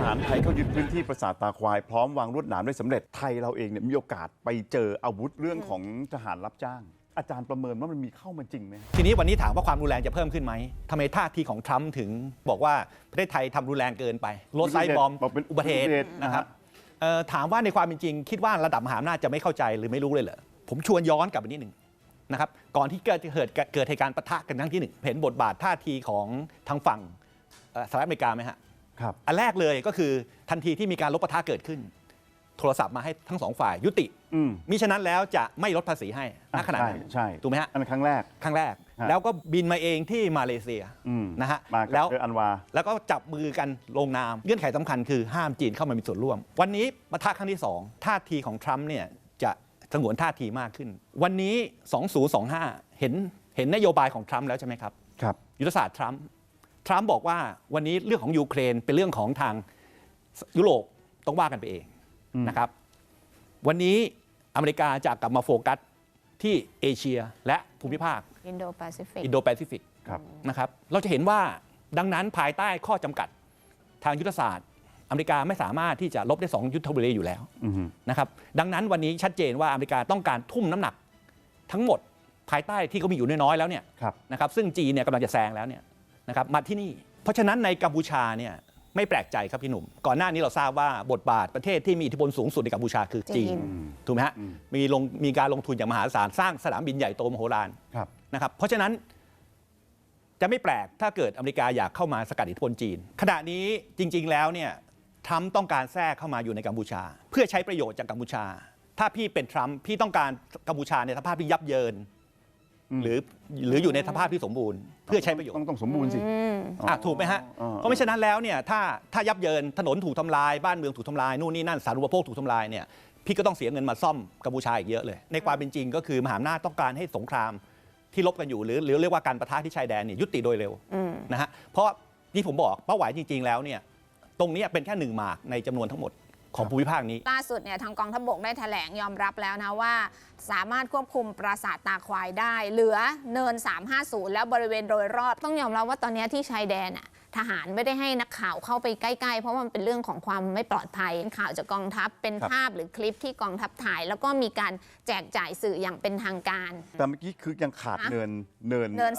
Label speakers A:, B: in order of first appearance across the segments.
A: หารไทยเข้ายึดพื้นที่ปราสาทตาควายพร้อมวางลวดหนามได้สำเร็จไทยเราเองเนี่ยมีโอกาสไปเจออาวุธเรื่องของทหารรับจ้างอาจารย์ประเมินว่ามันมีเข้ามาจริงไหม
B: ทีนี้วันนี้ถามว่าความรุนแรงจะเพิ่มขึ้นไหมทำไมท่าทีของทรัมป์ถึงบอกว่าประเทศไทยทำรุนแรงเกินไปรถไซบอม
A: เป็น
B: อุบัติเหตุนะครับถามว่าในความเป็นจริงคิดว่าระดับมหาอำนาจจะไม่เข้าใจหรือไม่รู้เลยเหรอผมชวนย้อนกลับไปนิดหนึ่งนะครับก่อนที่เกิดเหตุการณ์ปะทะกันครั้งที่หนึ่งเห็นบทบาทท่าทีของทางฝั่งสหรัฐอเมริกาไหมฮะ
A: ครับ
B: อันแรกเลยก็คือทันทีที่มีการลบปะทะเกิดขึ้นโทรศัพท์มาให้ทั้งสองฝ่ายยุติมิฉะนั้นแล้วจะไม่ลดภาษีให้ณขณะนั้น
A: ใช่
B: ถูกไหมฮะ
A: อันครั้งแรก
B: แล้วก็บินมาเองที่มาเลเซียนะฮะ
A: แล้วอันวา
B: แล้วก็จับมือกันลงนามเงื่อนไขสำคัญคือห้ามจีนเข้ามามีส่วนร่วมวันนี้ปะทะครั้งที่2ท่าทีของทรัมป์เนี่ยจะสงวนท่าทีมากขึ้นวันนี้2025เห็นนโยบายของทรัมป์แล้วใช่ไหมครับยุทธศาสตร์ทรัมป์บอกว่าวันนี้เรื่องของยูเครนเป็นเรื่องของทางยุโรปต้องว่ากันไปเองนะครับวันนี้อเมริกาจะกลับมาโฟกัสที่เอเชียและภูมิภาค
C: อินโดแปซิฟิก
B: นะครับเราจะเห็นว่าดังนั้นภายใต้ข้อจำกัดทางยุทธศาสตร์อเมริกาไม่สามารถที่จะลบได้2ยุทธบุรีอยู่แล้วนะครับดังนั้นวันนี้ชัดเจนว่าอเมริกาต้องการทุ่มน้ำหนักทั้งหมดภายใต้ที่เขามีอยู่น้อยๆแล้วเนี่ยนะครับซึ่งจีนเนี่ยกำลังจะแซงแล้วเนี่ยนะครับมาที่นี่เพราะฉะนั้นในกัมพูชาเนี่ยไม่แปลกใจครับพี่หนุ่มก่อนหน้านี้เราทราบว่าบทบาทประเทศที่มีอิทธิพลสูงสุดในกัมพูชาคือจีนถูกไหมฮะมีการลงทุนอย่างมหาศาลสร้างสนามบินใหญ่โตมโหฬารนะครับเพราะฉะนั้นจะไม่แปลกถ้าเกิดอเมริกาอยากเข้ามาสกัดอิทธิพลจีนขณะนี้จริงๆแล้วเนี่ยทรัมป์ต้องการแทรกเข้ามาอยู่ในกัมพูชาเพื่อใช้ประโยชน์จากกัมพูชาถ้าพี่เป็นทรัมป์พี่ต้องการกัมพูชาในสภาพที่ยับเยินหรืออยู่ในสภาพที่สมบูรณ์เพื่อใช้ประโยชน์
A: ต้องสมบูรณ์สิ
B: ถูกไหมฮะเพราะไม่ฉะนั้นแล้วเนี่ยถ้ายับเยินถนนถูกทำลายบ้านเมืองถูกทำลายนู่นนี่นั่นสาธารณูปโภคถูกทำลายเนี่ยพี่ก็ต้องเสียเงินมาซ่อมกัมพูชาอีกเยอะเลยในความเป็นจริงก็คือมหาอำนาจต้องการให้สงครามที่ลบกันอยู่หรือเรียกว่าการปะทะที่ชายแดนเนี่ยยุติโดยเร็วนะฮะเพราะที่ผมบอกเป้าหมายจริงๆแล้วเนี่ยตรงนี้เป็นแค่1 หมากในจำนวนทั้งหมดของภูมิภาคนี้
C: ล่าสุดเนี่ยทางกองทัพบกได้แถลงยอมรับแล้วนะว่าสามารถควบคุมปราสาทตาควายได้เหลือเนิน350แล้วบริเวณโดยรอบต้องยอมรับว่าตอนนี้ที่ชายแดนอ่ะทหารไม่ได้ให้นักข่าวเข้าไปใกล้ๆเพราะมันเป็นเรื่องของความไม่ปลอดภัยข่าวจากกองทัพเป็นภาพหรือคลิปที่กองทัพถ่ายแล้วก็มีการแจกจ่ายสื่ออย่างเป็นทางการ
A: แต่เมื่อกี้คือยังขาดเนิน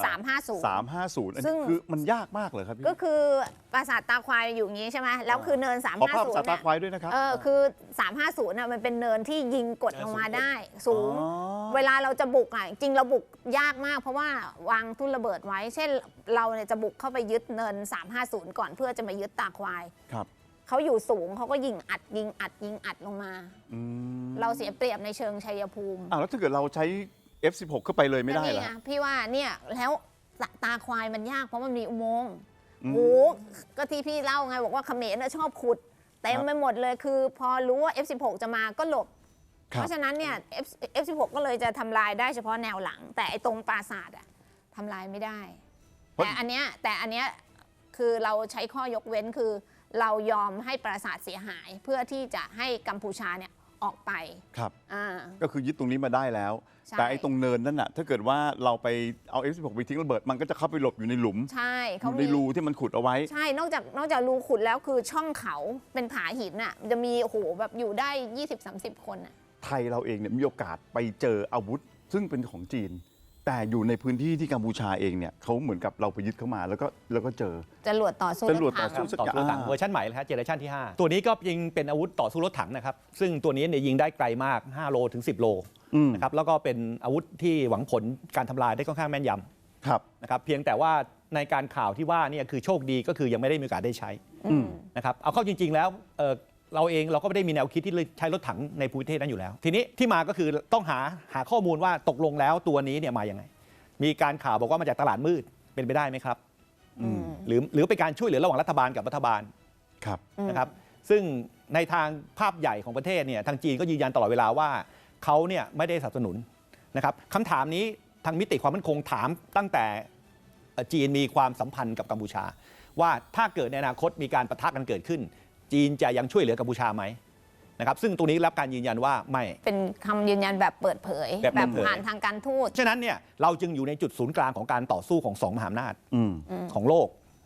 A: 350อันนี้คือมันยากมากเลยครับพี่
C: ก็คือปราสาทตาควายอยู่อย่างนี้ใช่ไหมแล้วคือเนิน350
A: ปราสาทตาควายด้วยนะครับ
C: คือ350น่ะมันเป็นเนินที่ยิงกดลงมาได้สูงเวลาเราจะบุกอ่ะจริงเราบุกยากมากเพราะว่าวางทุ่นระเบิดไว้เช่นเราเนี่ยจะบุกเข้าไปยึดเนิน350ก่อนเพื่อจะมายึดตาควายเขาอยู่สูงเขาก็ยิงอัดลงมาเราเสียเปรียบในเชิงชัยภูมิ
A: แล้วถ้าเกิดเราใช้ F16 เข้าไปเลยไม่ได้เหรอ
C: พี่ว่าเนี่ยแล้วตาควายมันยากเพราะมันมีอุโมงค์โหก็ที่พี่เล่าไงบอกว่าเขมรชอบขุดเต็มไปหมดเลยคือพอรู้ว่า F16 จะมาก็หลบเพราะฉะนั้นเนี่ย F16 ก็เลยจะทำลายได้เฉพาะแนวหลังแต่ไอ้ตรงปราสาทอะทำลายไม่ได้แต่อันเนี้ยคือเราใช้ข้อยกเว้นคือเรายอมให้ปราสาทเสียหายเพื่อที่จะให้กัมพูชาเนี่ยออกไป
A: ครับก็คือยึดตรงนี้มาได้แล้วแต่ไอ้ตรงเนินนั่นน่ะถ้าเกิดว่าเราไปเอา F16 ไปทิ้งระเบิดมันก็จะเข้าไปหลบอยู่ในหลุม
C: ใช่เขา
A: ในรูที่มันขุดเอาไว้
C: ใช่นอกจากรูขุดแล้วคือช่องเขาเป็นผาหินน่ะจะมีโอ้โหแบบอยู่ได้ 20-30 คนน่ะ
A: ไทยเราเองเนี่ยมีโอกาสไปเจออาวุธซึ่งเป็นของจีนแต่อยู่ในพื้นที่ที่กัมพูชาเองเนี่ยเขาเหมือนกับเราไปยึดเข้ามาแล้วก็เจอ
C: จรวดต่อสู้
B: รถถังเวอร์ชันใหม่เลยครับเจเนอเรชันที่5ตัวนี้ก็ยิงเป็นอาวุธต่อสู้รถถังนะครับซึ่งตัวนี้เนี่ยยิงได้ไกลมาก5 โลถึง 10 โลนะครับแล้วก็เป็นอาวุธที่หวังผลการทำลายได้ค่อนข้างแม่นยำนะครับเพียงแต่ว่าในการข่าวที่ว่านี่คือโชคดีก็คือยังไม่ได้มีโอกาสได้ใช้นะครับเอาเข้าจริงๆแล้วเราก็ไม่ได้มีแนวคิดที่ใช้รถถังในภูมิประเทศนั้นอยู่แล้วทีนี้ที่มาก็คือต้องหาข้อมูลว่าตกลงแล้วตัวนี้เนี่ยมาอย่างไงมีการข่าวบอกว่ามาจากตลาดมืดเป็นไปได้ไหมครับหรือเป็นการช่วยเหลือระหว่างรัฐบาลกับรัฐบาลนะครับซึ่งในทางภาพใหญ่ของประเทศเนี่ยทางจีนก็ยืนยันตลอดเวลาว่าเขาเนี่ยไม่ได้สนับสนุนนะครับคำถามนี้ทางมิติความมั่นคงถามตั้งแต่จีนมีความสัมพันธ์กับกัมพูชาว่าถ้าเกิดในอนาคตมีการปะทะกันเกิดขึ้นจีนจะยังช่วยเหลือกัมพูชาไหมนะครับซึ่งตรงนี้รับการยืนยันว่าไม่
C: เป็นคำยืนยันแบบเปิดเผยแบบผ่านทางการทูต
B: ฉะนั้นเนี่ยเราจึงอยู่ในจุดศูนย์กลางของการต่อสู้ของ2 มหาอำนาจของโลก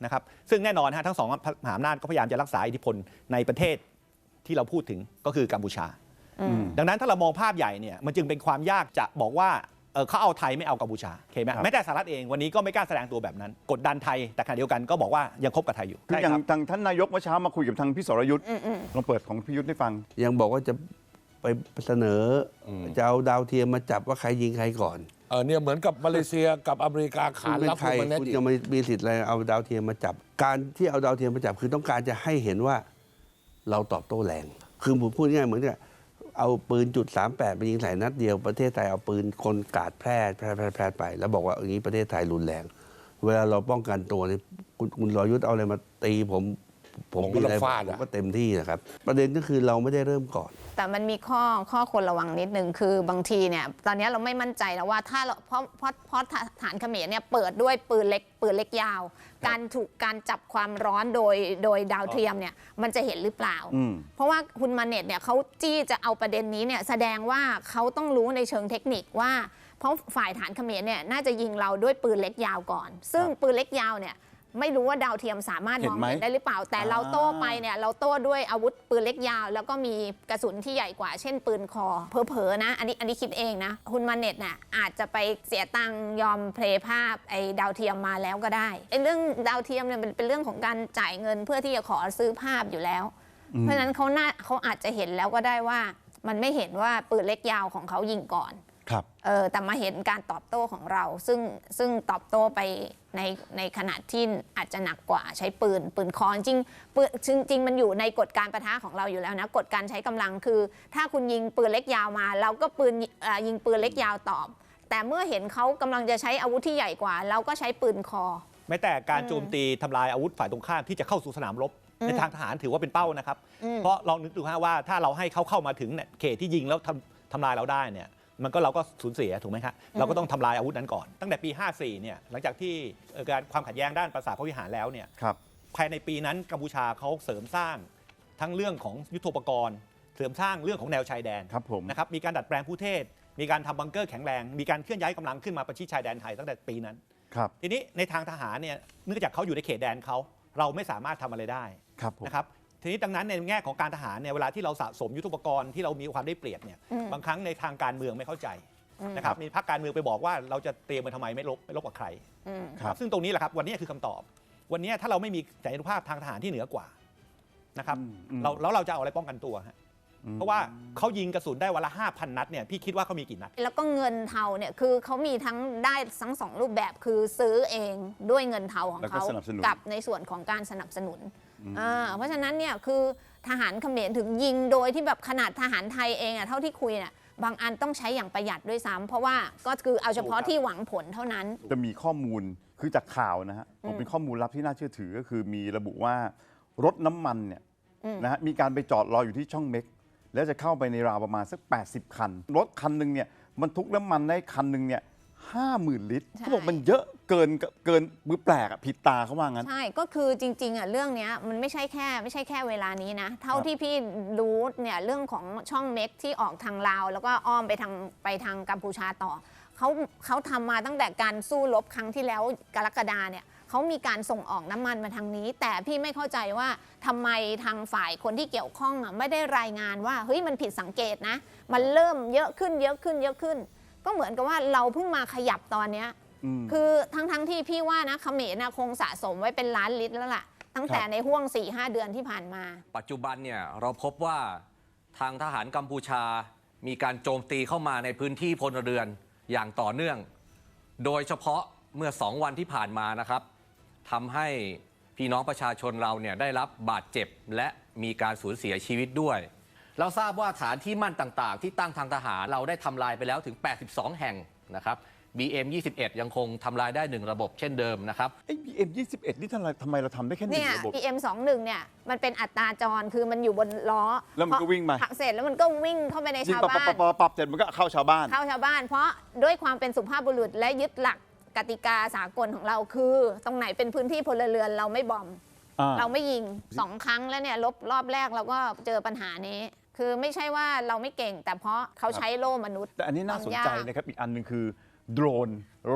B: นะครับซึ่งแน่นอนทั้งสองมหาอำนาจก็พยายามจะรักษาอิทธิพลในประเทศที่เราพูดถึงก็คือกัมพูชาดังนั้นถ้าเรามองภาพใหญ่เนี่ยมันจึงเป็นความยากจะบอกว่าเขาเอาไทยไม่เอากัมพูชาโอเคไหมแม้แต่สหรัฐเองวันนี้ก็ไม่กล้าแสดงตัวแบบนั้นกดดันไทยแต่ขณะเดียวกันก็บอกว่ายังคบกับไทยอยู่
A: คืออย่างทางท่านนายกเมื่อเช้ามาคุยกับทางพี่สรยุทธ์ลองเปิดของพี่ยุทธ์ให้ฟัง
D: ยังบอกว่าจะไปเสนอจะเอาดาวเทียมมาจับว่าใครยิงใครก่อน
E: เนี่ยเหมือนกับมาเลเซียกับอเมริกาขานรับคุณมาแน่คุณ
D: ยังไม่มีสิทธิ์อะไรเอาดาวเทียมมาจับการที่เอาดาวเทียมมาจับคือต้องการจะให้เห็นว่าเราตอบโต้แรงคือผมพูดง่ายเหมือนกับเอาปืน.38ไปยิงใส่นัดเดียวประเทศไทยเอาปืนคนกาดแพร่ไปแล้วบอกว่าอย่างนี้ประเทศไทยรุนแรงเวลาเราป้องกันตัวนี่คุณรยุทธ์เอาอะไรมาตีผมมีอะไรผมก็เต็มที่นะครับประเด็นก็คือเราไม่ได้เริ่มก่อน
C: แต่มันมีข้อควรระวังนิดนึงคือบางทีเนี่ยตอนนี้เราไม่มั่นใจแล้วว่าถ้าเราเพราะฐานเขมรเนี่ยเปิดด้วยปืนเล็กยาวการจับความร้อนโดยดาวเทียมเนี่ยมันจะเห็นหรือเปล่าเพราะว่าคุณมาเน็ตเนี่ยเขาจี้จะเอาประเด็นนี้เนี่ยแสดงว่าเขาต้องรู้ในเชิงเทคนิคว่าเพราะฝ่ายฐานเขมรเนี่ยน่าจะยิงเราด้วยปืนเล็กยาวก่อนซึ่งปืนเล็กยาวเนี่ยไม่รู้ว่าดาวเทียมสามารถมองเห็นได้หรือเปล่าแต่เราโต้ไปเนี่ยเราโต้ด้วยอาวุธปืนเล็กยาวแล้วก็มีกระสุนที่ใหญ่กว่าเช่นปืนคอเผลอๆนะอันนี้คิดเองนะคุณมาเน็ตน่ะอาจจะไปเสียตังค์ยอมเพลย์ภาพไอ้ดาวเทียมมาแล้วก็ได้ไอ้เรื่องดาวเทียมเนี่ยเป็นเรื่องของการจ่ายเงินเพื่อที่จะขอซื้อภาพอยู่แล้วเพราะฉะนั้นเขาอาจจะเห็นแล้วก็ได้ว่ามันไม่เห็นว่าปืนเล็กยาวของเขายิงก่อนแต่มาเห็นการตอบโต้ของเราซึ่งตอบโต้ไปในขนาดที่อาจจะหนักกว่าใช้ปืนคอจริงมันอยู่ในกฎการปะทะของเราอยู่แล้วนะกฎการใช้กำลังคือถ้าคุณยิงปืนเล็กยาวมาเราก็ยิงปืนเล็กยาวตอบแต่เมื่อเห็นเขากำลังจะใช้อาวุธที่ใหญ่กว่าเราก็ใช้ปืนคอ
B: แม้แต่การโจมตีทำลายอาวุธฝ่ายตรงข้ามที่จะเข้าสู่สนามรบในทางทหารถือว่าเป็นเป้านะครับเพราะลองนึกดูว่าถ้าเราให้เขาเข้ามาถึงเขตที่ยิงแล้วทำลายเราได้เนี่ยเราก็สูญเสียถูกไหมครับเราก็ต้องทำลายอาวุธนั้นก่อนตั้งแต่ปี 54 เนี่ยหลังจากที่การความขัดแย้งด้านปราสาทพระวิหารแล้วเนี่ยภายในปีนั้นกัมพูชาเขาเสริมสร้างทั้งเรื่องของยุทโธปกรณ์เสริมสร้างเรื่องของแนวชายแดนนะครับมีการดัดแปลงผู้เทศมีการทำบังเกอร์แข็งแรงมีการเคลื่อนย้ายกำลังขึ้นมาประชิดชายแดนไทยตั้งแต่ปีนั้นทีนี้ในทางทหารเนี่ยเนื่องจากเขาอยู่ในเขตแดนเขาเราไม่สามารถทำอะไรได้นะครับทีนี้ดังนั้นในแง่ของการทหารเนี่ยเวลาที่เราสะสมยุทโธปกรณ์ที่เรามีความได้เปรียบเนี่ยบางครั้งในทางการเมืองไม่เข้าใจนะครับมีพรรคการเมืองไปบอกว่าเราจะเตรียมมาทำไมไม่ลบกับใครซึ่งตรงนี้แหละครับวันนี้คือคำตอบวันนี้ถ้าเราไม่มีสัญญานุภาพทางทหารที่เหนือกว่านะครับเราจะเอาอะไรป้องกันตัวเพราะว่าเขายิงกระสุนได้วันละ 5,000 นัดเนี่ยพี่คิดว่าเขามีกี่นัด
C: แล้วก็เงินเทาเนี่ยคือเขามีทั้งได้ทั้ง2รูปแบบคือซื้อเองด้วยเงินเทาของเขากับในส่วนของการสนับสนุนเพราะฉะนั้นเนี่ยคือทหารเขมรถึงยิงโดยที่แบบขนาดทหารไทยเองเท่าที่คุยเนี่ยบางอันต้องใช้อย่างประหยัดด้วยซ้ำเพราะว่าก็คือเอาเฉพาะที่หวังผลเท่านั้น
A: จะมีข้อมูลคือจากข่าวนะฮะเป็นข้อมูลลับที่น่าเชื่อถือก็คือมีระบุว่ารถน้ำมันเนี่ยนะฮะมีการไปจอดรออยู่ที่ช่องเม็กแล้วจะเข้าไปในราวประมาณสัก80 คันรถคันหนึ่งเนี่ยบรรทุกน้ำมันได้คันหนึ่งเนี่ย50,000 ลิตรเขาบอกมันเยอะเกินมือแปลกผิดตาเขาว่างั้น
C: ใช่ก็คือจริงๆเรื่องนี้มันไม่ใช่แค่เวลานี้นะเท่าที่พี่รู้เนี่ยเรื่องของช่องเม็กที่ออกทางลาวแล้วก็อ้อมไปทางกัมพูชาต่อเขาทำมาตั้งแต่การสู้รบครั้งที่แล้วกรกฎาเนี่ยเขามีการส่งออกน้ำมันมาทางนี้แต่พี่ไม่เข้าใจว่าทำไมทางฝ่ายคนที่เกี่ยวข้องไม่ได้รายงานว่าเฮ้ยมันผิดสังเกตนะมันเริ่มเยอะขึ้นก็เหมือนกับว่าเราเพิ่งมาขยับตอนนี้คือทั้งที่พี่ว่านะเขมรคงสะสมไว้เป็นล้านลิตรแล้วล่ะตั้งแต่ในห่วง 4-5 เดือนที่ผ่านมา
F: ปัจจุบันเนี่ยเราพบว่าทางทหารกัมพูชามีการโจมตีเข้ามาในพื้นที่พลเรือนอย่างต่อเนื่องโดยเฉพาะเมื่อ2 วันที่ผ่านมานะครับทำให้พี่น้องประชาชนเราเนี่ยได้รับบาดเจ็บและมีการสูญเสียชีวิตด้วยเราทราบว่าฐานที่มั่นต่างๆที่ตั้งทางทหารเราได้ทำลายไปแล้วถึง82 แห่งนะครับ BM21 ยังคงทำลายได้1ระบบเช่นเดิมนะครับ
A: BM21 นี่ทำไมเราทำได้แค่1ระบบ
C: BM21 เนี่ยมันเป็นอัตราจรคือมันอยู่บนล้อ
A: แล้วมันก็วิ่งมา
C: เสร็จแล้วมันก็วิ่งเข้าไปในชาวบ้าน
A: ปรับเสร็จมันก็เข้าชาวบ้าน
C: เพราะด้วยความเป็นสุภาพบุรุษและยึดหลักกติกาสากลของเราคือตรงไหนเป็นพื้นที่พลเรือนเราไม่บอมเราไม่ยิง2 ครั้งแล้วเนี่ยรอบแรกเราก็เจอปัญหานี้คือไม่ใช่ว่าเราไม่เก่งแต่เพราะเขาใช้โล่มนุษย์
A: แต่อันนี้น่าสนใจนะครับอีกอันนึงคือโดรน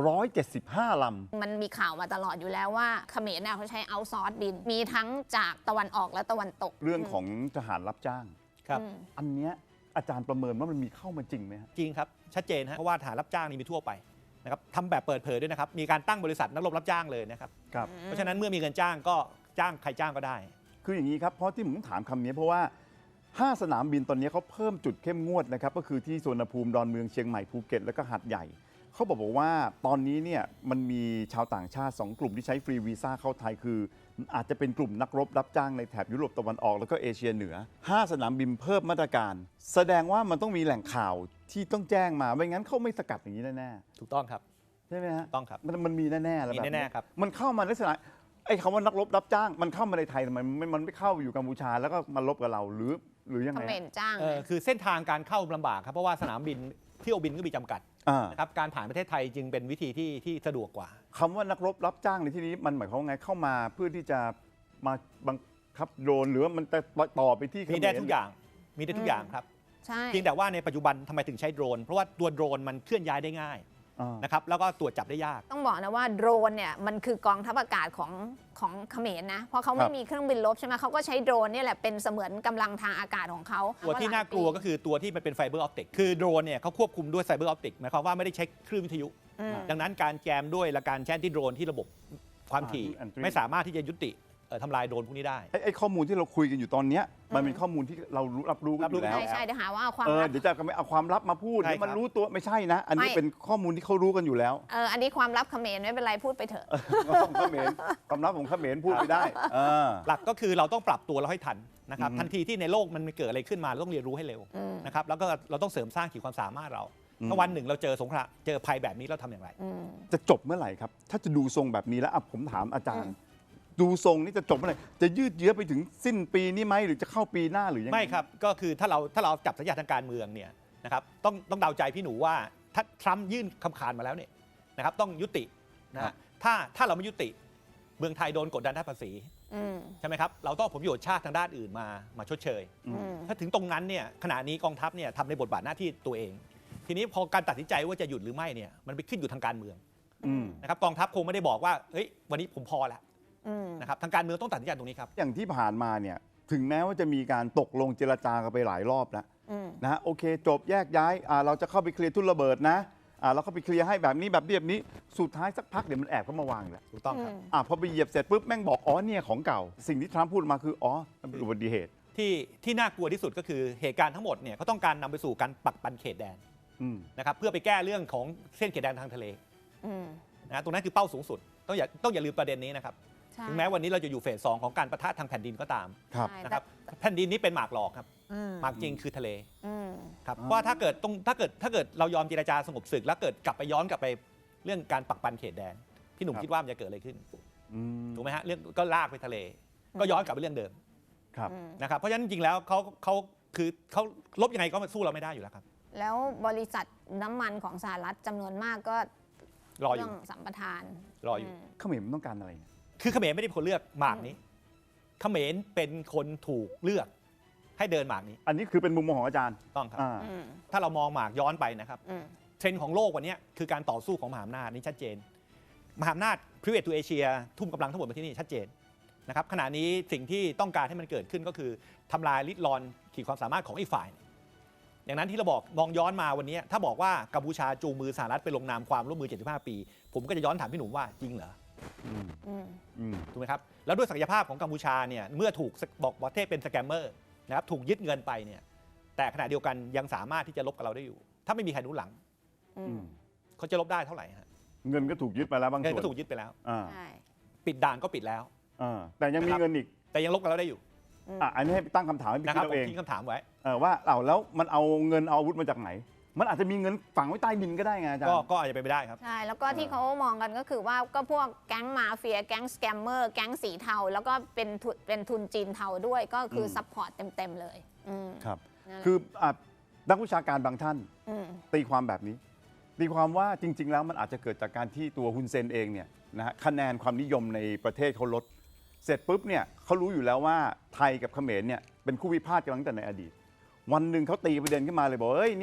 A: 175 ลำ
C: มันมีข่าวมาตลอดอยู่แล้วว่าเขมรเนี่ยเขาใช้เอาซอร์สบิน มีทั้งจากตะวันออกและตะวันตก
A: เรื่องของทหารรับจ้าง
B: ครับ
A: อันเนี้ยอาจารย์ประเมินว่ามันมีเข้ามาจริงไหมฮะ
B: จริงครับชัดเจนฮะเพราะว่าทหารรับจ้างนี่มีทั่วไปนะครับทำแบบเปิดเผยด้วยนะครับมีการตั้งบริษัทนักรบรับจ้างเลยนะครับ
A: ครับ
B: เพราะฉะนั้นเมื่อมีเงินจ้างก็จ้างใครจ้างก็ได้
A: คืออย่างนี้ครับ เพราะที่ผมถามคำนี้เพราะว่า 5 สนามบินตอนนี้เขาเพิ่มจุดเข้มงวดนะครับ ก็คือที่สุวรรณภูมิ ดอนเมือง เชียงใหม่ ภูเก็ต แล้วก็หาดใหญ่ เขาบอกว่าตอนนี้เนี่ยมันมีชาวต่างชาติ 2 กลุ่มที่ใช้ฟรีวีซ่าเข้าไทยคือ อาจจะเป็นกลุ่มนักรบรับจ้างในแถบยุโรปตะวันออกแล้วก็เอเชียเหนือ 5 สนามบินเพิ่มมาตรการ แสดงว่ามันต้องมีแหล่งข่าวที่ต้องแจ้งมาไม่งั้นเขาไม่สกัดอย่างนี้แน่
B: ถูกต้องครับ
A: ๆใช่ไหมฮะ
B: ต้องครับ
A: มันมีแน่ๆแล้ว
B: มี
A: แบบ
B: แน่ๆครับ
A: มันเข้ามาลักษณะไอ้คำว่านักรบรับจ้าง มันเข้ามาในไทยทำไมมันไม่เข้าอยู่กัมพูชาแล้วก็มาลบกับเราหรือยัง
C: เข
A: ไง
C: มรจ้าง
B: คือเส้นทางการเข้าลำบากครับเพราะว่าสนามบินเที่ยวบินก็มีจำกัด
A: อ่า
B: นะครับการผ่านประเทศไทยจึงเป็นวิธีที่สะดวกกว่า
A: คำว่านักรบรับจ้างในที่นี้มันหมายความว่าไงเข้ามาเพื่อที่จะมาบังคับโดรนหรือว่ามันจะต่อไปที่เข
B: มีได้ทุกอย่างมีได้ทุกอย่างครับ
C: ใช่
B: เพียงแต่ว่าในปัจจุบันทำไมถึงใช้โดรนเพราะว่าตัวโดรนมันเคลื่อนย้ายได้ง่าย
A: อ่า
B: นะครับแล้วก็ตรวจจับได้ยาก
C: ต้องบอกนะว่าโดรนเนี่ยมันคือกองทัพอากาศของเขมรนะ เพราะเขาไม่มีเครื่องบินรบใช่ไหมเขาก็ใช้โดรนเนี่ยแหละเป็นเสมือนกำลังทางอากาศของเขา
B: ตัวที่น่ากลัวก็คือตัวที่มันเป็นไฟเบอร์ออปติกคือโดรนเนี่ยเขาควบคุมด้วยไฟเบอร์ออปติกหมายความว่าไม่ได้ใช้คลื่นวิทยุ ดังนั้นการแจมด้วยและการแช่นที่โดรนที่ระบบความถี่
A: Entry
B: ไม่สามารถที่จะยุติทำลายโดรนพวกนี้ได้
A: ไอ้ข้อมูลที่เราคุยกันอยู่ตอนเนี้ยมันเป็นข้อมูลที่เรารับรู้กันอยู่แล้ว
C: ใช่ใช่เดี๋ยวหาว่าเอาความ
A: เออ
C: ลับ
A: เดี๋ยวจะเอาความลับมาพูด
B: ใช่
A: เดี๋ยวมัน
B: ครับ
A: รู้ตัวไม่ใช่นะ อันนี้
C: ไม่
A: เป็นข้อมูลที่เขารู้กันอยู่แล้ว
C: อันนี้ความลับเขมรไม่เป็นไรพูดไปเถอะ
A: ของเขมรความลับของเขมรพูดไม่ได้เออ
B: หลักก็คือเราต้องปรับตัวเราให้ทันนะครับ
A: อืม
B: ทันทีที่ในโลกมันเกิดอะไรขึ้นมาเราต้องเรียนรู้ให้เร็วนะครับแล้วก็เราต้องเสริมสร้างขีดความสามารถเราถ้าวันหนึ่งเราเจอสงครามเจอภัยแบบนี้เราทำอย่างไร
A: จะจบเมื่อไหร่ครับ ถ้าจะดูทรงแบบนี้แล้วอ่ะผมถามอาจารย์ ดูทรงนี่จะจบเมื่อไหร่จะยืดเยื้อไปถึงสิ้นปีนี้ไหมหรือจะเข้าปีหน้าหรือยังไง
B: ไม่ครับก็คือถ้าเราจับสัญญาณทางการเมืองเนี่ยนะครับต้องเดาใจพี่หนูว่าถ้าทรัมป์ยื่นคำขาดมาแล้วเนี่ยนะครับต้องยุตินะ
A: ครั
B: ฮะ
A: บ
B: ถ้าเราไม่ยุติเมืองไทยโดนกดดันด้านภาษีใช่ไหมครับเราต้องเอาผลประโยชน์ชาติทางด้านอื่นมาชดเชย ถ้าถึงตรงนั้นเนี่ยขณะนี้กองทัพเนี่ยทำในบทบาทหน้าที่ตัวเอง ทีนี้พอการตัดสินใจว่าจะหยุดหรือไม่เนี่ยมันไปขึ้นอยู่ทางการเมือง
A: อืม
B: นะครับกองทัพคงไม่ได้บอกว่าเฮ้ยวันนี้ผมพอแล้วนะครับทางการเมืองต้องตัดสินใจตรงนี้ครับ
A: อย่างที่ผ่านมาเนี่ยถึงแม้ว่าจะมีการตกลงเจรจากันไปหลายรอบแล้วนะฮะโอเค จบแยกย้ายเราจะเข้าไปเคลียร์ทุ่นระเบิดนะเราเข้าไปเคลียร์ให้แบบนี้แบบนี้สุดท้ายสักพักเดี๋ยวมันแอบเข้ามาวางอีกแล้ว
B: ถูกต้องครับ
A: พอไปเหยียบเสร็จปุ๊บแม่งบอกอ๋อเนี่ยของเก่า สิ่งที่ทรัมป์พูดมาคืออ๋อมันเป็นอุบัติเหตุ
B: ที่น่ากลัวที่สุดก็คือเหตุการณ์ทั้งหมดเนี่ยเขาต้องการนำไปสู่การปักปันเขตแดน
A: อืม
B: นะครับเพื่อไปแก้เรื่องของเส้นเขตแดนทางทะเลนะตรงนั้นคือเป้าสูงสุดต้องอย่าลืมประเด็นนี้นะครับ
C: ใช่
B: ถึงแม้วันนี้เราจะอยู่เฟส 2ของการปะทะทางแผ่นดินก็ตาม
A: ครับ
C: ใช่
B: นะครับแผ่นดินนี้เป็นหมากหลอกครับหมากจริงคือทะเลครับเพราะว่าถ้าเกิดเรายอมเจรจาสงบศึกแล้วเกิดย้อนกลับไปเรื่องการปักปันเขตแดนพี่หนุ่ม
A: ครับ
B: คิดว่ามันจะเกิดอะไรขึ้น
A: อืม
B: ถูกไหมฮะเรื่องก็ลากไปทะเล ก็ย้อนกลับไปเรื่องเดิม
A: ครับ
B: นะครับเพราะฉะนั้นจริงๆแล้วเขาลบยังไงก็สู้เราไม่ได้อยู่แล้วครับ
C: แล้วบริษัทน้ำมันของสหรัฐจำนวนมากก็
B: รออ
C: เรื่
B: ยู่
C: สัมปทาน
B: รออยู่
A: เขมรมันต้องการอะไรเนี่ย
B: คือเขมรไม่ได้เป็นคนเลือกหมากนี้เขมรเป็นคนถูกเลือกให้เดินหมากนี้
A: อันนี้คือเป็นมุมมองของอาจารย์
B: ต้องครับ
A: อ่า
B: ถ้าเรามองหมากย้อนไปนะครับเทรนด์ของโลกวันนี้คือการต่อสู้ของมหาอำนาจนี่ชัดเจน มหาอำนาจ private to Asia ทุ่มกำลังทั้งหมดมาที่นี่ชัดเจนนะครับขณะนี้สิ่งที่ต้องการให้มันเกิดขึ้นก็คือทำลายลิดรอนขีดความสามารถของอีกฝ่ายอย่างนั้นที่เราบอกมองย้อนมาวันนี้ถ้าบอกว่ากัมพูชาจูงมือสหรัฐไปลงนามความร่วมมือ 75 ปี ผมก็จะย้อนถามพี่หนุ่มว่าจริงเหรอ
A: อืม
B: ถูกไหมครับแล้วด้วยศักยภาพของกัมพูชาเนี่ยเมื่อถูกบอกประเทศเป็นสแกมเมอร์นะครับถูกยึดเงินไปเนี่ยแต่ขณะเดียวกันยังสามารถที่จะลบกับเราได้อยู่ ถ้าไม่มีใครหนุนหลังเขาจะลบได้เท่าไหร่ฮะ
A: เงินก็ถูกยึดไปแล้วบาง
B: เงิน
A: ส่ว
B: ก็
A: น
B: ถูกยึดไปแล้ว
A: อ่า
C: ใช่
B: ปิดด่านก็ปิดแล้ว
A: แต่ยังมีเงินอีก
B: แต่ยังลบกับเราได้อยู่
A: อันนี้ให้ตั้งคำถามให้พี่
B: นะค
A: คิ
B: รั
A: ด
B: บ
A: เอา
B: ผม
A: เอง
B: ทิ้งคำถามไว้
A: ว่าแล้วมันเอาเงินเอาอาวุธมาจากไหน มันอาจจะมีเงินฝังไว้ใต้ดินก็ได้ไงอาจารย์
B: ก็อาจจะเป็นไปได้ครับ
C: ใช่ แล้วก็ที่เขามองกันก็คือว่าก็พวกแก๊งมาเฟีย แก๊งสแกมเมอร์ แก๊งสีเทา แล้วก็เป็นทุนจีนเทาด้วย ก็คือซัพพอร์ตเต็ม ๆ เลย
A: ครับ
C: นั่นแหละ
A: คือนักวิชาการบางท่าน
C: ม
A: ตีความแบบนี้ ตีความว่าจริง ๆ แล้วมันอาจจะเกิดจากการที่ตัวฮุนเซนเองเนี่ยนะฮะคะแนนความนิยมในประเทศเขาลด เสร็จปุ๊บเนี่ยเขารู้อยู่แล้วว่าไทยกับเขมรเนี่ยเป็นคู่พิพาทกันมาตั้งแต่ในอดีต วันหนึ่งเขาตีประเด็นขึ้นมาเลยบอกเอ้ยเนี่ย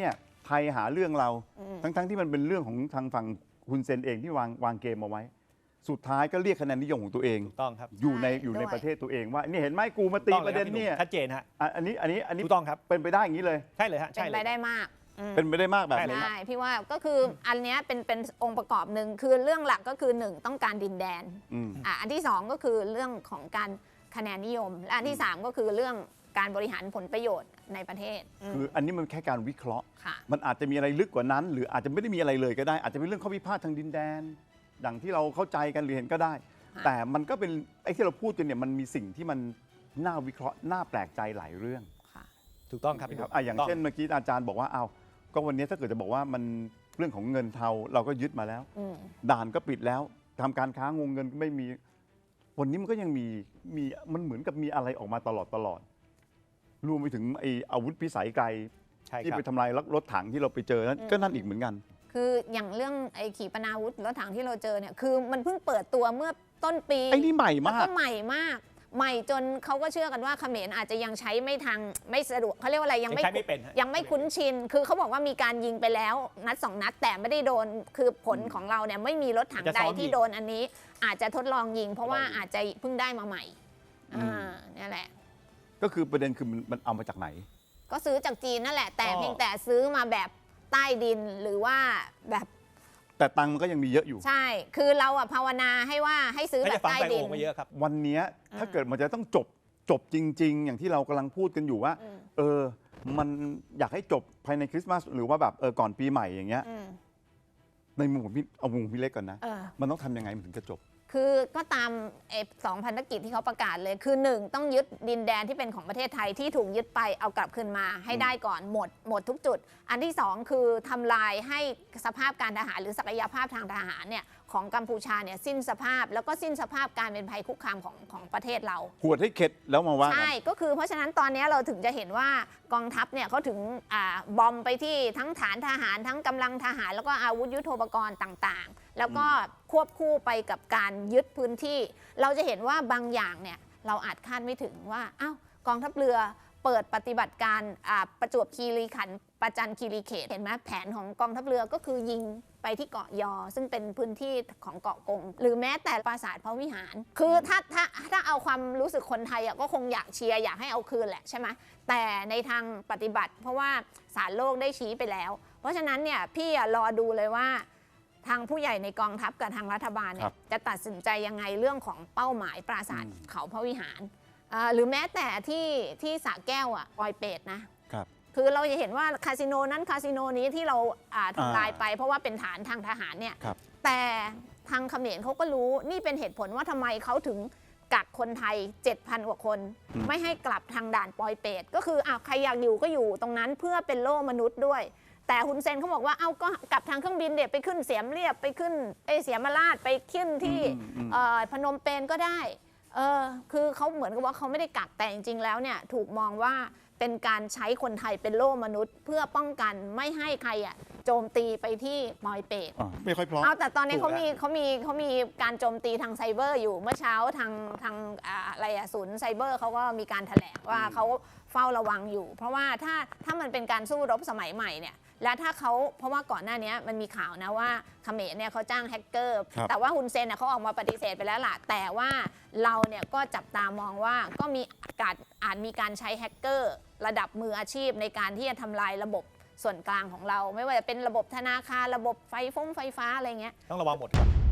A: ไทยหาเรื่องเรา ทั้งที่มันเป็นเรื่องของทางฝั่งฮุนเซนเองที่วางเกมเอาไว้ สุดท้ายก็เรียกคะแนนนิยมของตัวเอง
B: ถูกต้องครับ
A: อยู่ใน
C: ใช่
A: อยู่ใน
C: ด้วย
A: ประเทศตัวเองว่านี่เห็นไหมกูมาตี
B: ต้อง
A: ป
B: ล
A: ระเด็น
B: คบพี่ห
A: เนี่ย
B: ชัดเจนฮะ
A: อันนี้
B: ถูกต้องครับ
A: เป็นไปได้อย่างนี้เลย
B: ใช่เลยฮะ
C: เป็
B: ใช่
C: น
B: เล
C: ไป
B: ย
C: ได้มาก
A: เป็นไปได้มากแบบ
B: ใช่เลย
A: นี้
C: ใช่พี่ว่าก็คืออันเนี้ยเป็นองค์ประกอบหนึ่งคือเรื่องหลักก็คือ 1 ต้องการดินแดน
A: อืม
C: อันที่ 2 ก็คือเรื่องของการคะแนนนิยม และอันที่ 3 ก็คือเรื่องการบริหารผลประโยชน์ในประเทศ
A: คืออันนี้มันแค่การวิเคราะห์
C: ค่ะ
A: มันอาจจะมีอะไรลึกกว่านั้น หรืออาจจะไม่ได้มีอะไรเลยก็ได้ อาจจะเป็นเรื่องข้อพิพาททางดินแดนอย่างที่เราเข้าใจกันหรือเห็นก็ได้
C: ค่ะ
A: แต่มันก็เป็นไอ้ที่เราพูดกันเนี่ยมันมีสิ่งที่มันน่าวิเคราะห์น่าแปลกใจหลายเรื่อง
C: ค่ะ
B: ถูกต้องครับ
A: นะครับอย่างเช่นเมื่อกี้อาจารย์บอกว่าเอาก็วันนี้ถ้าเกิดจะบอกว่ามันเรื่องของเงินเทาเราก็ยึดมาแล้ว
C: อืม
A: ด่านก็ปิดแล้วทำการค้างงเงินก็ไม่มี วันนี้มันก็ยังมีมันเหมือนกับมีอะไรออกมาตลอดรวมไปถึงไอ้อาวุธพิสัยไกล
B: ใช่
A: ที่
B: ครับ
A: ไปทำลายรถถังที่เราไปเจอนั้นก็นั่นอีกเหมือนกัน
C: คืออย่างเรื่องไอ้ขีปนาวุธรถถังที่เราเจอเนี่ยคือมันเพิ่งเปิดตัวเมื่อต้นปี
A: ไอ้นี่ใหม่
C: แล้ว
A: มาก
C: ก็ใหม่มาก ใหม่จนเขาก็เชื่อกันว่าเขมรอาจจะยังใช้ไม่ทางไม่สะดวกเขาเรียกว่าอะไรยังไม่
B: ใช้ไม่เป็นฮะ
C: ยังไม่คุ้นชิน คือเขาบอกว่ามีการยิงไปแล้วนัด 2 นัด แต่ไม่ได้โดนคือผลของเราเนี่ยไม่มีรถถังใดที่โดนอันนี้ อาจจะทดลองยิง เพราะว่าอาจจะเพิ่งได้มาใหม่นี่แหละ
A: ก็คือประเด็นคือมันเอามาจากไหน
C: ก็ซื้อจากจีนนั่นแหละ แต่
B: ก็
C: เพียงแต่ซื้อมาแบบใต้ดินหรือว่าแบบ
A: แต่ตังค์มันก็ยังมีเยอะอยู่
C: ใช่ คือเราอะภาวนาให้ว่าให้ซื้อ
B: ให้
C: แบ
B: จะ
C: บ
B: ฟัง
C: ใต้
B: ไฟ
C: ดิ
B: โอ่
C: น
B: งมาเยอะครับ
A: วันเนี้ยถ้าเกิดมันจะต้องจบจริง ๆ อย่างที่เรากำลังพูดกันอยู่ว่า มันอยากให้จบภายในคริสต์มาสหรือว่าแบบก่อนปีใหม่อย่างเงี้ย
C: อืม
A: ในมุมของพี่เอามุมของพี่เล็กก่อนนะ
C: เออ
A: มันต้องทำยังไงมันถึงจะจบ
C: คือก็ตาม2 พันธกิจที่เขาประกาศเลยคือ 1 ต้องยึดดินแดนที่เป็นของประเทศไทยที่ถูกยึดไปเอากลับคืนมาให้ได้ก่อนหมดทุกจุด อันที่ 2 คือทำลายให้สภาพการทหารหรือศักยภาพทางทหารเนี่ยของกัมพูชาเนี่ยสิ้นสภาพแล้วก็สิ้นสภาพการเป็นภัยคุกคามของประเทศเรา
A: หวดให้เข็ดแล้วมาว่ากัน
C: ใช่ ก็คือเพราะฉะนั้นตอนนี้เราถึงจะเห็นว่ากองทัพเนี่ยเขาถึงบอมไปที่ทั้งฐานทหารทั้งกำลังทหารแล้วก็อาวุธยุทโธปกรณ์ต่างๆ แล้วก็ควบคู่ไปกับการยึดพื้นที่ เราจะเห็นว่าบางอย่างเนี่ยเราอาจคาดไม่ถึงว่าอ้าวกองทัพเรือเปิดปฏิบัติการประจวบคีรีขันธ์ประจันคีรีเขตเห็นไหมแผนของกองทัพเรือก็คือยิงไปที่เกาะยอ ซึ่งเป็นพื้นที่ของเกาะกง หรือแม้แต่ปราสาทพระวิหาร คือถ้าเอาความรู้สึกคนไทยก็คงอยากเชียร์อยากให้เอาคืนแหละใช่ไหมแต่ในทางปฏิบัติ เพราะว่าศาลโลกได้ชี้ไปแล้ว เพราะฉะนั้นเนี่ยพี่รอดูเลยว่าทางผู้ใหญ่ในกองทัพกับทางรัฐบาลเนี่
A: ครั
C: ย
A: บ
C: จะตัดสินใจยังไงเรื่องของเป้าหมายปราสาทเขาพระวิหารหรือแม้แต่ที่สระแก้วปอยเป็ดนะ
A: ครับ
C: คือเราจะเห็นว่าคาสิโนนั้นคาสิโนนี้ที่เราทำลายไปเพราะว่าเป็นฐานทางทหารเนี่ย
A: ครับ
C: แต่ทางเขมรเขาก็รู้นี่เป็นเหตุผลว่าทำไมเขาถึงกักคนไทย 7,000 กว่าคน ไม่ให้กลับทางด่านปอยเป็ดก็คือใครอยากอยู่ก็อยู่ตรงนั้นเพื่อเป็นโล่มนุษย์ด้วย แต่ฮุนเซนเขาบอกว่าก็กลับทางเครื่องบินเด็ไปขึ้นเสียมเรียบไปขึ้นเสียมราชไปขึ้นที่พนมเปญก็ได้คือเขาเหมือนกับว่าเขาไม่ได้กักแต่จริงๆแล้วเนี่ยถูกมองว่าเป็นการใช้คนไทยเป็นโล่มนุษย์ เพื่อป้องกันไม่ให้ใครโจมตีไปที่ปอยเป็ด
A: ไม่ค่อยพร้อม
C: แต่ตอนนี้
B: ถู
C: เขา
B: ก
C: มีการโจมตีทางไซเบอร์อยู่เมื่อเช้าทางศูนย์ไซเบอร์เขาก็มีการแถลงว่าเขาเฝ้าระวังอยู่ เพราะว่าถ้ามันเป็นการสู้รบสมัยใหม่เนี่ยและถ้าเขาเพราะว่าก่อนหน้านี้มันมีข่าวนะว่าเขมรเนี่ยเขาจ้างแฮกเกอร์
A: ครับ
C: แต่ว่าฮุนเซนเขาออกมาปฏิเสธไปแล้วล่ะแต่ว่าเราเนี่ยก็จับตามองว่าก็มีอาจมีการใช้แฮกเกอร์ระดับมืออาชีพในการที่จะทำลายระบบส่วนกลางของเรา ไม่ว่าจะเป็นระบบธนาคารระบบไฟฟ้าอะไรเงี้ย
B: ต้องระวังหมดครับ